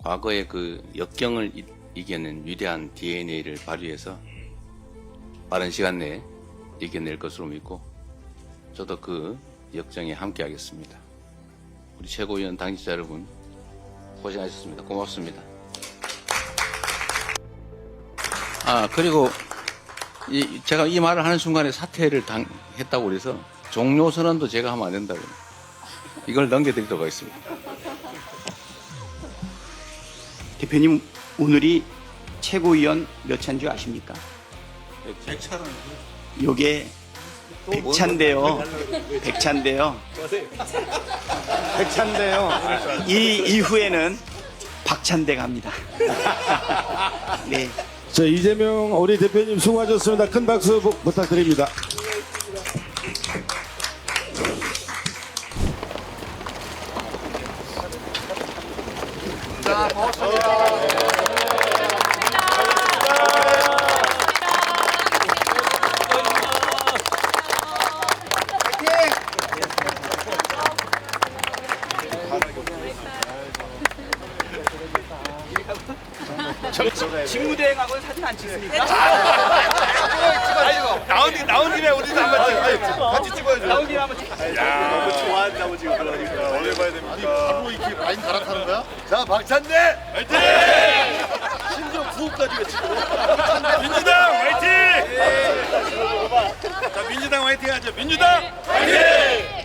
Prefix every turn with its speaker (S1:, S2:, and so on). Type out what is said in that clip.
S1: 과거의 그 역경을 이겨낸 위대한 DNA를 발휘해서 빠른 시간 내에 이겨낼 것으로 믿고 저도 그 역정에 함께하겠습니다. 우리 최고위원 당직자 여러분 고생하셨습니다. 고맙습니다. 그리고 제가 이 말을 하는 순간에 사퇴를 했다고 그래서 종료 선언도 제가 하면 안 된다고 이걸 넘겨드리도록 하겠습니다.
S2: 대표님, 오늘이 최고위원 몇 차인 줄 아십니까?
S1: 100차는
S2: 요게 100차인데요. 100차인데요. 100차인데요. 이 이후에는 박찬대 갑니다. 네.
S3: 자, 이재명 우리 대표님 수고하셨습니다. 큰 박수 부탁드립니다.
S4: 자, 고맙습니다.
S2: 직무대행하고는 사진 안 찍습니까?
S4: 나온 김에 우리도 한번 같이 찍어야죠.
S2: 나온 김에 한번 찍어요.
S4: 너무 좋아한다고 지금 그러니까 원래 봐야 됩니까? 바로 이렇게 라인 갈아타는 거야? 자, 박찬대 화이팅! 심지어 구호까지 외치고 민주당 화이팅! 자, 민주당 화이팅 하죠. 민주당 화이팅!